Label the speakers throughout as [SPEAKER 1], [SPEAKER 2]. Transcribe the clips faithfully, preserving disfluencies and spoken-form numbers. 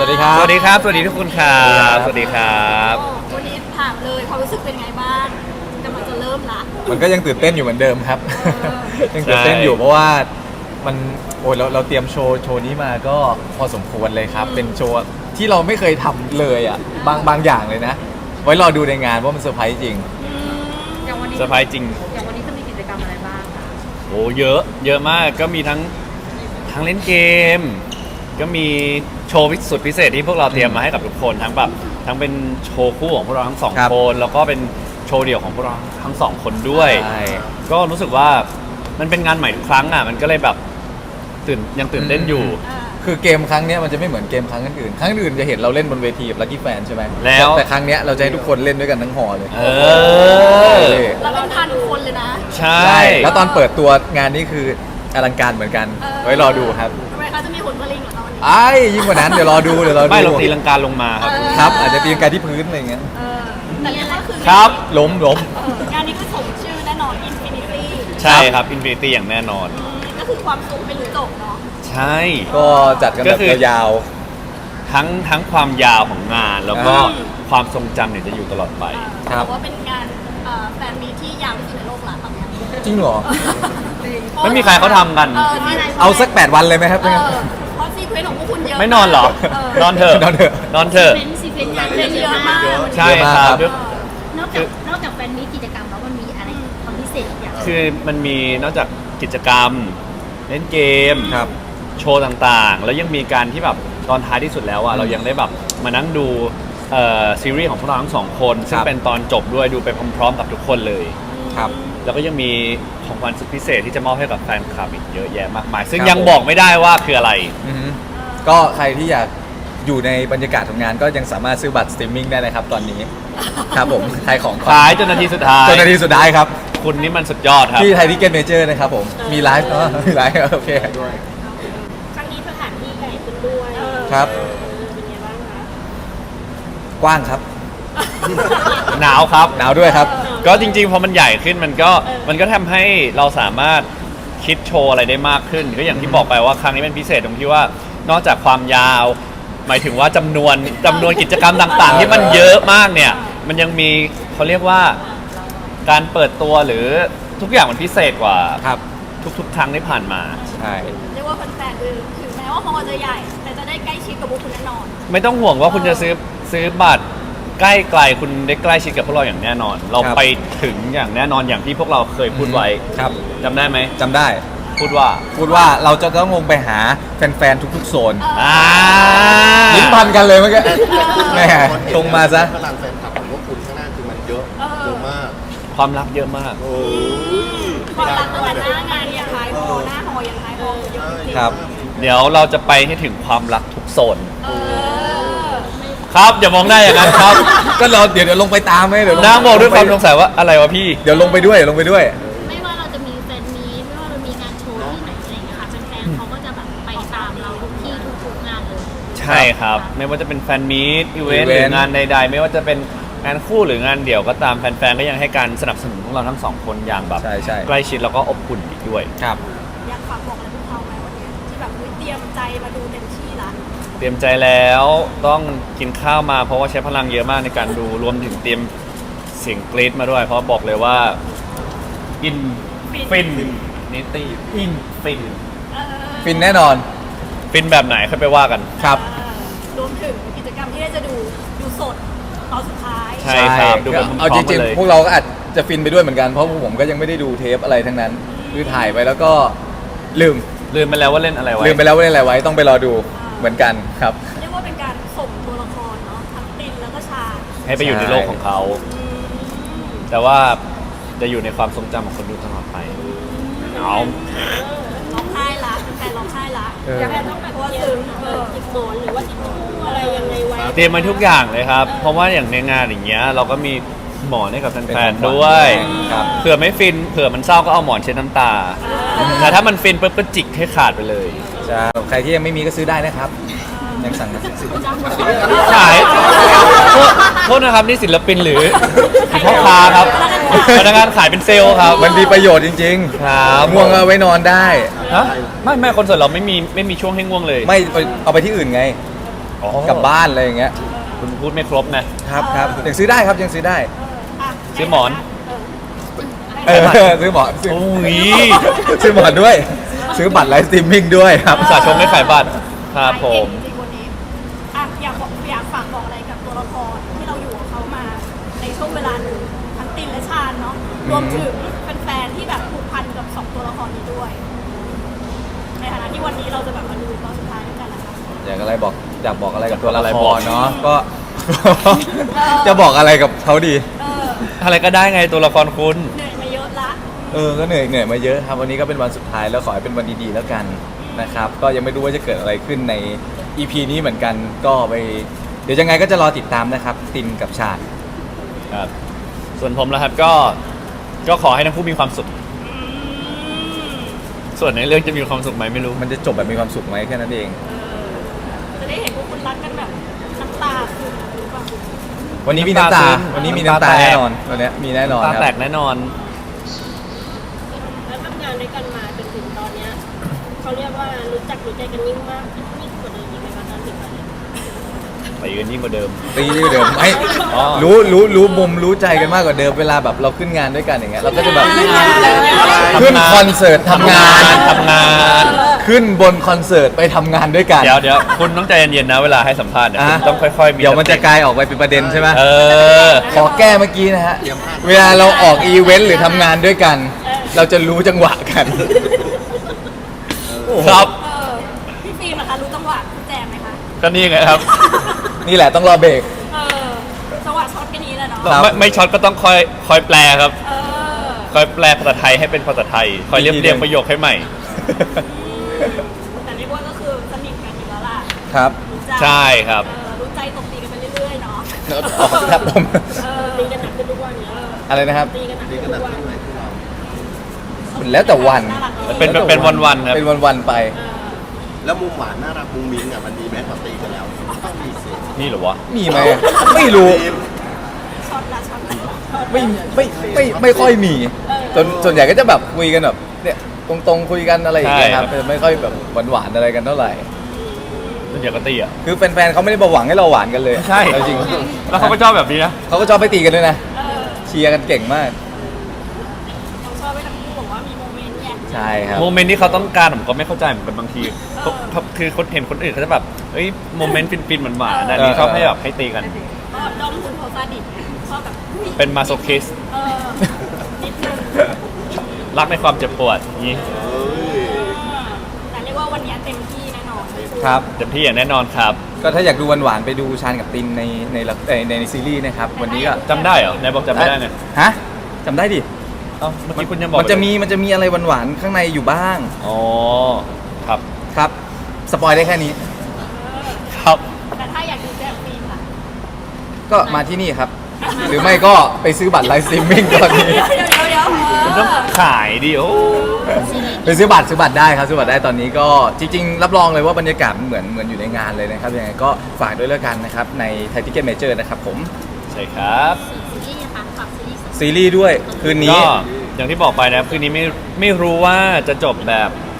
[SPEAKER 1] วัสดีครับ
[SPEAKER 2] สวัสดีครับ สวัสดีทุกคนครับสวัสดีครับ
[SPEAKER 3] วันนี้ถามเลยความรู้สึกเป็นไงบ้างกำลังจะเริ่มละ
[SPEAKER 1] มันก็ยังตื่นเต้นอยู่เหมือนเดิมครับ
[SPEAKER 3] เอ
[SPEAKER 1] ยังตื่นเต้นอยู่เพราะว่ามันโอ้ยเราเราเตรียมโชว์โชว์นี้มาก็พอสมควรเลยครับ เป็นโชว์ที่เราไม่เคยทำเลยอ่ะบางบางอย่างเลยนะ ไว้รอดูในงานว่ามันเซอร์ไพรส์จริง
[SPEAKER 3] อย่างวันนี้
[SPEAKER 2] เซอร์ไพรส์จริง
[SPEAKER 3] อย่างวันนี้จะมีกิจกรรมอะไรบ้างคะ
[SPEAKER 2] โอ้เยอะ เยอะมาก ก็มีทั้งทั้งเล่นเกม ก็มีโชว์สุดพิเศษที่พวกเราเตรียมมาให้กับทุกคน ทั้งแบบทั้งเป็นโชว์คู่ของพวกเราทั้งสอง
[SPEAKER 1] ครับ
[SPEAKER 2] คน แล้วก็เป็นโชว์เดี่ยวของพวกเราทั้งสองคนด้วย
[SPEAKER 1] ใช่
[SPEAKER 2] ก็รู้สึกว่ามันเป็นงานใหม่ทุกครั้งอ่ะ มันก็เลยแบบตื่นยังตื่นเต้นอยู่
[SPEAKER 3] อ่า
[SPEAKER 1] คือเกมครั้งเนี้ยมันจะไม่เหมือนเกมครั้งอื่นๆครั้งอื่นจะเห็นเราเล่นบนเวทีกับลั c กี้แฟนใช่ไหม
[SPEAKER 2] แล้ว
[SPEAKER 1] แต่ครั้งเนี้ยเราจะให้ทุกคนเล่นด้วยกันทั้งหอเลย
[SPEAKER 2] เออ
[SPEAKER 3] เราเป็นพันคนเลยนะ
[SPEAKER 2] ใช่
[SPEAKER 1] ใช่แล้วตอนเปิดตัวงานนี้คืออลังการเหมือนกัน
[SPEAKER 3] เออ
[SPEAKER 1] ไว้รอดูครับ
[SPEAKER 3] ทำไมคะจะมีผลผลิตเหรอคะวันนี้
[SPEAKER 1] ไอ้ยิ่งกว่านั้นเดี๋ยวรอดูเดี๋ยวรอดู
[SPEAKER 2] ไม่เราตีลังกาลงมาครับ
[SPEAKER 3] เออ
[SPEAKER 1] ครับอาจจะตีลังกาที่พื้นอะไรเงี้ย
[SPEAKER 3] เออแต่เรียกว่าคือ
[SPEAKER 2] ครับ
[SPEAKER 1] ล้มล้ม
[SPEAKER 3] เอองานนี้คือสมชื่อแน่นอน Infinity
[SPEAKER 2] ใช่ครับอินฟินิตี้อย่างแน่นอน
[SPEAKER 3] อืมก็คือความสุขไม่รู้จบเนาะ
[SPEAKER 2] ใช่
[SPEAKER 1] ก็จัดกัน
[SPEAKER 2] ก็
[SPEAKER 1] แบบ
[SPEAKER 2] คือ
[SPEAKER 1] ยาว
[SPEAKER 2] ทั้งทั้งความยาวของงาน แล้วก็
[SPEAKER 1] อ่า
[SPEAKER 2] ความทรงจำเนี่ยจะอยู่ตลอดไป
[SPEAKER 1] ครับ
[SPEAKER 3] บอกว่าเป็นงานเอ่อแฟนมีตที่ยาวที่สุดในโลกละตอนเนี้ย
[SPEAKER 1] จริงเหรอ
[SPEAKER 2] ไม่มีใครเขาทำกัน
[SPEAKER 3] เออที่
[SPEAKER 1] เอาสักแปดวันเลยไหมครับ
[SPEAKER 3] เออเพราะซีเควนต์ของพวกคุณเยอะ
[SPEAKER 2] ไม่นอนเหรอ
[SPEAKER 3] เ
[SPEAKER 2] นอนเถอะ
[SPEAKER 1] นอนเถอะ
[SPEAKER 2] นอนเถอะ
[SPEAKER 4] เป็นซีเควนต์งาน
[SPEAKER 3] เล่นเยอะมาก
[SPEAKER 2] ใช่
[SPEAKER 1] เยอะมาก
[SPEAKER 2] ค
[SPEAKER 1] ครั
[SPEAKER 2] รับ บ
[SPEAKER 4] นอกจากนอกจากแฟนมีตกิจกรรมแล้วมันมีอะไรความพิเศษอีกอย่าง
[SPEAKER 2] คือมันมีนอกจากกิจกรรม เล่นเกม
[SPEAKER 1] ครับ
[SPEAKER 2] โชว์ต่างๆ แล้วยังมีการที่แบบตอนท้ายที่สุดแล้วอ่ะเรายังได้แบบมานั่งดูเอ่อซีรีส์ของพวกเราทั้งสองคนซึ่ง
[SPEAKER 1] ครับ
[SPEAKER 2] เป็นตอนจบด้วยดูไปพร้อมๆกับทุกคนเลย
[SPEAKER 1] ครับ
[SPEAKER 2] แล้วก็ยังมีของขวัญสุดพิเศษที่จะมอบให้กับแฟนคลับอีกเยอะแยะมากมาย ซึ่ง
[SPEAKER 1] ครับ
[SPEAKER 2] ยังบอกไม่ได้ว่าคืออะไร
[SPEAKER 1] อือฮึก็ใครที่อยากอยู่ในบรรยากาศของงานก็ยังสามารถซื้อบัตรสตรีมมิ่งได้นะครับตอนนี้ ครับผมขายของก่อน
[SPEAKER 2] ขายจนนาทีสุดท้าย
[SPEAKER 1] จนนาทีสุดท้ายครับ
[SPEAKER 2] คุณนี่มันสุดยอดครับ
[SPEAKER 1] ที่ไทยทิเก็ตเมเจอร์นะครับผม มีไลฟ์เนอะมีไลฟ์โอเค
[SPEAKER 3] ครั้งนี้สถานที่ใหญ่ขึ้นด้วย
[SPEAKER 1] ครับ
[SPEAKER 3] เป็นไงบ้างคะ
[SPEAKER 1] กว้างครับ
[SPEAKER 2] หนาวครับ
[SPEAKER 1] หนาวด้วยครับ
[SPEAKER 2] ก็จริงๆพอมันใหญ่ขึ้นมันก็มันก็ทำให้เราสามารถคิดโชว์อะไรได้มากขึ้น ก็อย่างที่บอกไปว่าครั้งนี้เป็นพิเศษตรงที่ว่านอกจากความยาว หมายถึงว่าจำนวนจำนวนกิจกรรมต่างๆ ที่มันเยอะมากเนี่ย มันยังมีเขาเรียกว่าการเปิดตัวหรือทุกอย่างมันพิเศษกว่า
[SPEAKER 1] ครับ
[SPEAKER 2] ทุกๆ ครั้งที่ผ่านมา
[SPEAKER 1] ใช่
[SPEAKER 3] เรียกว่าแฟนๆคือถึงแม้ว่าฮอลล์จะใหญ่ แต่จะได้ใกล้ชิดกับพวกคุณแน่นอน
[SPEAKER 2] ไม่ต้องห่วงว่าคุณจะซื้อซื้อบัตรใกล้ไกลคุณได้ใกล้ชิดกับพวกเราอย่างแน่นอน เราไปถึงอย่างแน่นอนอย่างที่พวกเราเคยพูดไว้
[SPEAKER 1] ครับ
[SPEAKER 2] จำได้ไหม
[SPEAKER 1] จำได้
[SPEAKER 2] พูดว่า
[SPEAKER 1] พูดว่าเราจะต้องลงไปหาแฟนๆทุกๆโซน
[SPEAKER 2] อ่า
[SPEAKER 1] ลิ้นพันกันเลยเมื่อกี้แหม่ตรงมาซะ
[SPEAKER 5] พลังแฟนคลับของพวกคุณข้างหน้าคือมันเยอะเยอะมาก
[SPEAKER 2] ความรักเยอะมาก
[SPEAKER 5] โอ้
[SPEAKER 3] ความรักตั้งแต่หน้างานยังไฮโฮหน้าฮอลล์ยังไฮโฮเยอะจริง
[SPEAKER 1] ครับ
[SPEAKER 2] เดี๋ยวเราจะไปให้ถึงความรักทุกโซน
[SPEAKER 3] เออ
[SPEAKER 2] ครับอย่ามองได้อย่างนั้นครับ
[SPEAKER 1] ก็เราเดี๋ยวเดี๋ยวลงไปตามไหมเดี๋ยวล
[SPEAKER 2] นางบอกด้วยความสงสัยว่าอะไรวะพี่
[SPEAKER 1] เดี๋ยวลงไปด้วยเดี๋ยวลงไปด้วย
[SPEAKER 4] ไม่ว่าเราจะมีแฟนมีตไม่ว่าเรามีงานโชว์ที่ไหนอะไรอย่างเงี้ยค่ะแฟนๆเขาก็จะแบบไปตามเราทุกที่ทุกๆงานเลย
[SPEAKER 2] ใช่ครับ ไม่ว่าจะเป็นแฟนมีตอีเวนต์
[SPEAKER 1] อี
[SPEAKER 2] ห
[SPEAKER 1] เวนต์
[SPEAKER 2] รืองานใดๆ ไม่ว่าจะเป็นงานคู่หรืองานเดี่ยวก็ตามแฟนๆก็ยังให้การสนับสนุนพวกเราทั้งสองคนอย่างแบบ
[SPEAKER 1] ใช่ใช่
[SPEAKER 2] ใกล้ชิดแล้วก็อบอุ่นอีกด้วย
[SPEAKER 1] ครับ
[SPEAKER 3] อยากฝากบอกอะไรพวกเขาไหมวันนี้ที่แบบอุ๊ยเตรียมใจมาดูเต็มที่ละ
[SPEAKER 2] เตรียมใจแล้วต้องกินข้าวมาเพราะว่าใช้พลังเยอะมากในการดูรวมถึงเตรียมเสียงกรี๊ดมาด้วย เพราะบอกเลยว่าอินฟินนิตี้อินฟิน
[SPEAKER 3] เออ
[SPEAKER 1] ฟินแน่นอน
[SPEAKER 2] ฟินแบบไหนค่อยไปว่ากัน
[SPEAKER 1] ครับ
[SPEAKER 3] เออรวมถึงกิจกรรมที่ได้จะดูดูสดตอนสุดท้าย
[SPEAKER 2] ใช่ครับดูแบบพร้
[SPEAKER 1] เอา
[SPEAKER 2] อ
[SPEAKER 1] จ
[SPEAKER 2] มๆ
[SPEAKER 1] ริ
[SPEAKER 2] กั
[SPEAKER 1] ง
[SPEAKER 2] นเลย
[SPEAKER 1] ๆ พวกเราก็อาจจะฟินไปด้วยเหมือนกัน เพราะพวกผมก็ยังไม่ได้ดูเทปอะไรทั้งนั้น คือถ่ายไปแล้วก็ลืม
[SPEAKER 2] ลืมไปแล้วว่าเล่นอะไรไว้
[SPEAKER 1] ลืมไปแล้วว่าเล่นอะไรไว้ ต้องไปรอดูเหมือนกันครับ
[SPEAKER 3] เรียกว่าเป็นการส่งตัวละครเนาะทั้งตินแล้วก็ชา
[SPEAKER 2] ให้ไปอยู่ในโลกของเขา แต่ว่าจะอยู่ในความทรงจำของคนดูตลอดไปเอา
[SPEAKER 3] ร้องไห้ละแฟนร้องไห้ละ
[SPEAKER 1] เออ
[SPEAKER 3] อยากให้ต้องแบบว่าซึ้งเออจิบหมอนหรือว่าจิบอะไรยังไงไว้
[SPEAKER 2] เตรียมมาทุกอย่างเลยครับ เพราะว่าอย่างในงานอย่างเงี้ยเราก็มีหมอนให้กับ
[SPEAKER 1] เป็น
[SPEAKER 2] แฟ
[SPEAKER 1] ของ
[SPEAKER 2] น
[SPEAKER 1] ขวัญ
[SPEAKER 2] ๆด้วย
[SPEAKER 1] ครับ
[SPEAKER 2] เผื่อไม่ฟินเผื่อมันเศร้าก็เอาหมอนเช็ดน้ำตา แต่ถ้ามันฟินปุ๊บก็จิกให้ขาดไปเลย
[SPEAKER 1] ใช่ใครที่ยังไม่มีก็ซื้อได้นะครับ ยังสั่ง
[SPEAKER 2] ขายโทษโทษนะครับนี่ศิลปินหรือพ่อค้าครับพนักงานขายเป็นเซลล์ครับ
[SPEAKER 1] มันมีประโยชน์จริง
[SPEAKER 2] ครับ
[SPEAKER 1] ง่วงเอาไว้นอนได้
[SPEAKER 2] ฮะไม่ไม่คอนเสิร์ตเราไม่มีไม่มีช่วงให้ง่วงเลย
[SPEAKER 1] ไม่เอาไปที่อื่นไง
[SPEAKER 2] อ๋อ
[SPEAKER 1] กลับบ้านอะไรอย่างเงี้ย
[SPEAKER 2] คุณพูดไม่ครบนะครับ
[SPEAKER 1] ครับยังซื้อได้ครับยังซื้อได้
[SPEAKER 3] อ่ะ
[SPEAKER 2] ซื้อหมอน
[SPEAKER 3] เออ
[SPEAKER 1] เออซื้อหมอนซื้อ
[SPEAKER 2] โอ้ย
[SPEAKER 1] ซื้อหมอนด้วย ซื้อบัตรไลฟ์สตรีมมิ่งด้วยครับ
[SPEAKER 2] อุตส่าห์ชมไม่ขายบัตรครับผม
[SPEAKER 3] จริงๆวันนี้อ่ะอยากบอกอยากฝากบอกอะไรกับตัวละครที่เราอยู่กับเขามาในช่วงเวลาหนึ่งทั้งตินและชาญเนาะรวมถึงแฟนๆที่แบบผูกพันกับสองตัวละครนี้ด้วย ในฐานะที่วันนี้เราจะแบบมาดูตอนสุดท้ายด้วยกันนะคะ
[SPEAKER 1] อยากอะไรบอกอยากบอกอะไรกับตัวละ
[SPEAKER 2] อะไร
[SPEAKER 1] ค
[SPEAKER 2] บอก
[SPEAKER 1] รเนาะก็ จะบอกอะไรกับเขาดี
[SPEAKER 3] เออ
[SPEAKER 2] อะไรก็ได้ไงตัวละครคุณ
[SPEAKER 3] เหนื่อยมาเยอะละ
[SPEAKER 1] เออก็เหนื่อยเหนื่อยมาเยอะครับวันนี้ก็เป็นวันสุดท้ายแล้วขอให้เป็นวันดีๆแล้วกันนะครับก็ยังไม่รู้ว่าจะเกิดอะไรขึ้นใน อี พี นี้เหมือนกันก็ไปเดี๋ยวยังไงก็จะรอติดตามนะครับตินกับชาญ
[SPEAKER 2] ครับ ส่วนผมนะครับก็ ก็ขอให้ทั้งคู่มีความสุข ส่วนในเรื่องจะมีความสุขไหมไม่รู้
[SPEAKER 1] มันจะจบแบบมีความสุขไหมแค่นั้นเอง
[SPEAKER 3] จะได้เห็นพวกคุณรักกันแบบน้ำตาซึมหรือเปล่า
[SPEAKER 1] วันนี้มีน้ำตา
[SPEAKER 2] น้ำตาซึม
[SPEAKER 1] วันนี้มีน้ำตา
[SPEAKER 2] น้ำตาแตก
[SPEAKER 1] แน่นอนวันนี้มีแน่นอน
[SPEAKER 2] ตา
[SPEAKER 1] ครับ
[SPEAKER 2] แตกแน่นอน
[SPEAKER 4] แล้วทำงานด้วยกันมาจนถึงตอนเนี้ยเขาเรียกว่ารู้จักรู้ใจกันยิ่งมากยิ่งกว่าเดิมอีกไหมคะตอนถึงตอนเนี้ย
[SPEAKER 2] ไปกันยิ่งกว่าเดิม
[SPEAKER 1] ตีที่เดิมไม่
[SPEAKER 2] อ๋อ
[SPEAKER 1] รู้รู้รู้มุมรู้ใจกันมากกว่าเดิมเวลาแบบเราขึ้นงานด้วยกันอย่างเงี้ยเราก็จะแบบขึ้นคอนเสิร์ตทำงาน
[SPEAKER 2] ทำงาน
[SPEAKER 1] ขึ้นบนคอนเสิร์ตไปทำงานด้วยกัน
[SPEAKER 2] เดี๋ยวเดี๋ยวคุณต้องใจเย็นๆนะเวลาให้สัมภาษณ์เนี่ย
[SPEAKER 1] อ่ะ
[SPEAKER 2] คุณต้องค่อยๆมี
[SPEAKER 1] เดี๋ยวมันจะ
[SPEAKER 2] สติ
[SPEAKER 1] กลายออกไปเป็นประเด็นใช่ไหม
[SPEAKER 2] เออ
[SPEAKER 1] ขอแก้เมื่อกี้นะฮะ เวลาเราออกอีเวนต์หรือทำงานด้วยกัน เราจะรู้จังหวะกัน
[SPEAKER 2] ครับ
[SPEAKER 3] เออพี่ฟิล์มนะคะรู้จังหวะคุณแจมไหมคะ
[SPEAKER 2] ก็นี่ไงครับ
[SPEAKER 1] นี่แหละต้องรอเบรก
[SPEAKER 3] เออจังหวะช็อตแค่นี้แหละเนาะ
[SPEAKER 1] ครับ
[SPEAKER 2] ไม่ไม่ช็อตก็ต้องคอยคอยแปลครับ
[SPEAKER 3] เออ
[SPEAKER 2] คอยแปลภาษาไทยให้เป็นภาษาไทย คอยเรียบเรียงประโยคให้ใหม่
[SPEAKER 3] แต่เรียกว่าก็คือสนิทกันอยู่แล้วล่ะ
[SPEAKER 1] ครับ
[SPEAKER 3] รู้ใจ
[SPEAKER 2] ใช่ครับ
[SPEAKER 3] เออรู้ใจตบตีกันไปเรื่อยๆเนาะ
[SPEAKER 1] อ๋อครับผม
[SPEAKER 3] เออตีกันหนักขึ้นทุกวันเนี้ย
[SPEAKER 1] อะไรนะครับ
[SPEAKER 3] ตีกันหนัก
[SPEAKER 5] นี่
[SPEAKER 3] ขึ้น
[SPEAKER 5] ก็หนั
[SPEAKER 3] ทุ
[SPEAKER 5] ก
[SPEAKER 3] กวัน
[SPEAKER 5] ที่ไหนที่เรา
[SPEAKER 1] แล้วแต่วัน
[SPEAKER 3] น่ารักอะ
[SPEAKER 2] เป็นเป็นวันๆครับ
[SPEAKER 1] เป็นวันๆไป
[SPEAKER 3] เออ
[SPEAKER 5] แล้วมุมหวานน่ารักมุมมิ้งอ่ะมันมีแม้พอตีกันแล้วต้องมีสิ
[SPEAKER 2] นี่เหรอวะ
[SPEAKER 1] มีไหมไม่รู้
[SPEAKER 3] ช็อตละช็อตละ
[SPEAKER 1] ไม่ไม่ไม่ไม่ค่อยมีส่วนส่วนใหญ่ก็จะแบบคุยกันแบบเนี่ยตรงๆคุยกันอะไรอย่างเงี้ยครับ
[SPEAKER 2] ใช่ครับ
[SPEAKER 1] ไม่ค่อยแบบหวานๆอะไรกันเท่าไหร่
[SPEAKER 2] เดี๋ยวก็ตีอ่ะ
[SPEAKER 1] คือแฟนๆเขาไม่ได้มาหวังให้เราหวานกันเลย
[SPEAKER 2] ใช่
[SPEAKER 1] เอาจริง
[SPEAKER 2] แล้วเขาก็ชอบแบบนี้นะ
[SPEAKER 1] เขาก็ชอบไปตีกันด้วยนะ
[SPEAKER 3] เออ
[SPEAKER 1] เชียร์กันเก่งมาก
[SPEAKER 3] เราชอบไปทั้งคู่บอกว่ามีโมเมนต์เนี่ย
[SPEAKER 1] ใช่ครับ
[SPEAKER 2] โมเมนต์ที่เขาต้องการผมก็ไม่เข้าใจเหมือนกันบางทีเขาเขาคือคนเห็นคนอื่นเขาจะแบบเอ้ยโมเมนต์ฟินๆเหมือนหวานๆอันนี้
[SPEAKER 1] เออ
[SPEAKER 2] ชอบให้แบบให้ตีกัน
[SPEAKER 3] ก็ดอมคุณโพซาดิสไงชอบแบบอุ๊ย
[SPEAKER 2] เป็นมาโซคิส
[SPEAKER 3] เออนิดนึง
[SPEAKER 2] รักในความเจ็บปวดอย่างนี้
[SPEAKER 5] เอ้ย
[SPEAKER 3] แต่เรียกว่าวันนี้เต็มที่แน่นอน
[SPEAKER 1] ครับ
[SPEAKER 2] เต็มที่อย่างแน่นอนครับ
[SPEAKER 1] ก็ถ้าอยากดูหวานๆไปดูชาญกับตินในในละเอ่อในในซีรีส์นะครับ วันนี้ก็
[SPEAKER 2] จำได้เหรอไหนบอกจำไม่ได้ไง
[SPEAKER 1] ฮะจำได้ดิ
[SPEAKER 2] เอ้าเมื่อกี้คุณยังบอก
[SPEAKER 1] มันจะมีมันจะมีอะไรหวานๆข้างในอยู่บ้าง
[SPEAKER 2] อ๋อครับ
[SPEAKER 1] ครับ สปอยได้แค่นี้
[SPEAKER 2] ครับ
[SPEAKER 3] แต่ถ้าอยากดูแจมฟิล์มล่ะ
[SPEAKER 1] ก็มาที่นี่ครับ หรือไม่ก็ไปซื้อบัตรไลฟ์สตรีมมิ่งตอนนี้
[SPEAKER 3] เดี๋ยวเดี๋ยวเดี๋ยวเดี๋ยว
[SPEAKER 2] คุณต้องขายดิโอ้
[SPEAKER 1] ไปซื้อบัตรซื้อบัตรได้ครับซื้อบัตรได้ตอนนี้ก็จริงๆ รับรองเลยว่าบรรยากาศมันเหมือนเหมือนอยู่ในงานเลยนะครับยังไงก็ฝากด้วยแล้วกันนะครับในไทยทิเก็ตเมเจอร์นะครับผม
[SPEAKER 2] ใช่ครับ
[SPEAKER 4] ซีรีส์นะคะฝากซีรีส์
[SPEAKER 1] ซีรีส์ด้วยคืนนี้
[SPEAKER 2] ก็อย่างที่บอกไปนะครับคืนนี้ไม่ไม่รู้ว่าจะจบแบบ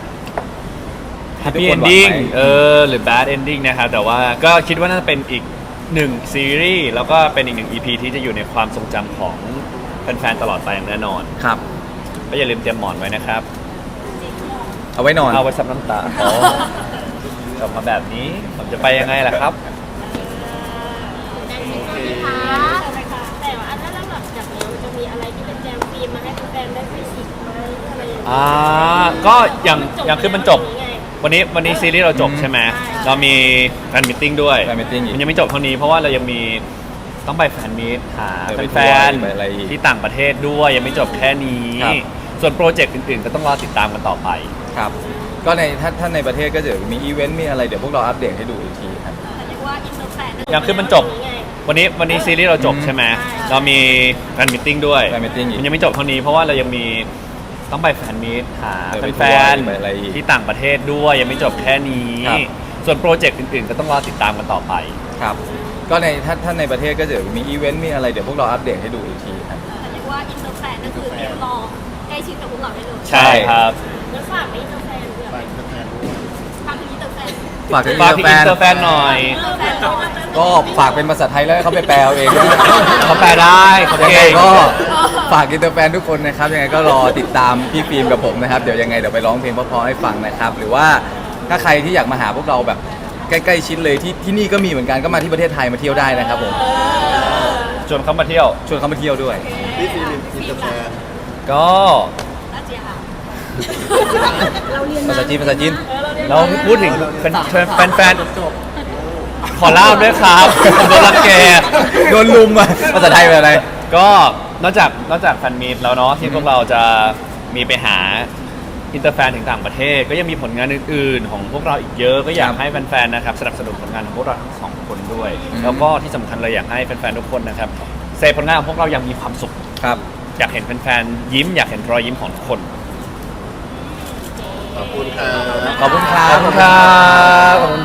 [SPEAKER 2] happy
[SPEAKER 1] ทุกคนหวัง
[SPEAKER 2] ending
[SPEAKER 1] ไหม
[SPEAKER 2] เออหรือ bad ending นะครับแต่ว่าก็คิดว่าน่าจะเป็นอีกหนึ่งซีรีส์แล้วก็เป็นอีกหนึ่ง อี พี ที่จะอยู่ในความทรงจำของแฟนๆตลอดไปอย่างแน่นอน
[SPEAKER 1] ครับ
[SPEAKER 2] ก็อย่าลืมเตรียมหมอนไว้นะครับ
[SPEAKER 1] เอาไว้นอน
[SPEAKER 2] เอาไว้ซับน้ำตาอ๋อจบมาแบบนี้ผมจะไปยังไงล่ะครับ
[SPEAKER 4] ได้ไหมคะ แต่ว่าอันนั้นแล้วแบบจากนี้มันจะมีอะไรที่เป็นแจมฟิล์มมาให้แฟนๆได้ไปฉีกไหมอะไรอย่างเงี้ย
[SPEAKER 2] อ่าก็อย่างอย่างคือมันจบ
[SPEAKER 4] ไง
[SPEAKER 2] วันนี้วันนี้ซีรีส์เราจบ
[SPEAKER 1] อืม
[SPEAKER 2] ใช่ไหม
[SPEAKER 4] ใช่
[SPEAKER 2] เรามีแฟนมิทติ้งด้วย
[SPEAKER 1] แฟนมีตติ้งอีก
[SPEAKER 2] มันยังไม่จบเท่านี้เพราะว่าเรายังมีต้องไปแฟนมีตหา
[SPEAKER 1] เออไป
[SPEAKER 2] แฟน
[SPEAKER 1] ทัวร์ไปอะไรอีก
[SPEAKER 2] ๆที่ต่างประเทศด้วยยังไม่จบแค่นี้
[SPEAKER 1] ครับ
[SPEAKER 2] ส่วนโปรเจกต์อื่นๆ ก็ต้องรอติดตามกันต่อไป
[SPEAKER 1] ครับก็ในถ้าถ้าในประเทศก็จะมีอีเวนต์มีอะไรเดี๋ยวพวกเราอัปเดตให้ดูอีกทีครับ
[SPEAKER 3] แต่เรียกว่าอินเตอร์แฟน
[SPEAKER 2] อย่างคือมันจบ วันนี้วันนี้ซีรีส์เราจบ
[SPEAKER 1] อืม
[SPEAKER 2] ใช่ไหม
[SPEAKER 3] ใช่
[SPEAKER 2] เรามีแฟนมิทติ้งด้วย
[SPEAKER 1] แฟนมีตติ้งอีก
[SPEAKER 2] มันยังไม่จบเท่านี้เพราะว่าเรายังมีต้องไปแฟนมีตหา
[SPEAKER 1] เออไป
[SPEAKER 2] แฟ
[SPEAKER 1] ทัวร์
[SPEAKER 2] น
[SPEAKER 1] ไปอะไรอีก
[SPEAKER 2] ๆที่ต่างประเทศด้วยยังไม่จบแค่นี้
[SPEAKER 1] ครับ
[SPEAKER 2] ส่วนโปรเจกต์อื่นๆ ก็ต้องรอติดตามกันต่อไป
[SPEAKER 1] ครับก็ในถ้าถ้าในประเทศก็จะมีอีเวนต์มีอะไรเดี๋ยวพวกเราอัปเดตให้ดูอีกทีครับ
[SPEAKER 3] แต่เรียกว่าอินเตอร์แฟนก็คือเตรียมรอใกล้ชิดกับพวกเราได้เลย
[SPEAKER 2] ใช่ครับ
[SPEAKER 4] แล้วฝากไปอินเตอร์แฟนเพื่อ
[SPEAKER 5] ไปแฟนๆด้วย
[SPEAKER 3] ทางถึงอินเตอร์แฟน
[SPEAKER 1] ฝากถึง
[SPEAKER 2] ฝากถึง
[SPEAKER 1] อิ
[SPEAKER 2] อิ
[SPEAKER 1] น
[SPEAKER 2] น
[SPEAKER 1] เต
[SPEAKER 2] เต
[SPEAKER 1] อ
[SPEAKER 2] อ
[SPEAKER 1] ร์
[SPEAKER 2] ร์
[SPEAKER 1] แฟ
[SPEAKER 2] แฟ
[SPEAKER 1] น
[SPEAKER 2] นหน่อย
[SPEAKER 1] ก็ฝากเป็นภาษาไทยแล้วให้เขาไปแปลเอาเองนะ
[SPEAKER 2] เขาแปลได้เขา
[SPEAKER 1] ยัง
[SPEAKER 2] เก่
[SPEAKER 1] ไง
[SPEAKER 2] ง
[SPEAKER 1] ก็ฝากอินเตอร์แฟนทุกคนนะครับยังไงก็รอติดตามพี่ฟิล์มกับผมนะครับเดี๋ยวยังไงเดี๋ยวไปร้องเพลงเพราะๆให้ฟังนะครับหรือว่าถ้าใครที่อยากมาหาพวกเราแบบใกล้ๆชิดเลยที่ที่นี่ก็มีเหมือนกันก็มาที่ประเทศไทยมาเที่ยวได้นะครับผม
[SPEAKER 2] ชวนเขามาเที่ยว
[SPEAKER 1] ชวนเขามาเที่ยวด้วย
[SPEAKER 5] พี่ฟิล์มอินเตอร์แฟน
[SPEAKER 2] ก็
[SPEAKER 3] น่าเจียค่ะ
[SPEAKER 1] ภาษาจีนภาษาจีน
[SPEAKER 2] เราพูดถึงแฟนแฟนแฟนขอเล่าด้วยครับโดนรังแก
[SPEAKER 1] โดนลุมอ่ะภาษาไทยเป็นอะไร
[SPEAKER 2] ก็นอกจากนอกจากแฟนมีตแล้วเนาะที่พวกเราจะมีไปหาอินเตอร์แฟนถึงต่างประเทศ ก็ยังมีผลงานอื่นๆ ของพวกเราอีกเยอะก็อยากให้แฟนๆนะครับสนับสนุนผลงานของพวกเราทั้งสองคนด้วย
[SPEAKER 1] อืม
[SPEAKER 2] แล้วก็ที่สำคัญเลยอยากให้แฟนๆทุกคนนะครับเซฟผลงานของพวกเรายังมีความสุข
[SPEAKER 1] ครับ
[SPEAKER 2] อยากเห็นแฟนๆยิ้มอยากเห็นรอยยิ้มของทุกคน
[SPEAKER 5] ขอบคุณครับ
[SPEAKER 1] ขอบคุณครับ
[SPEAKER 2] ขอบคุณครับ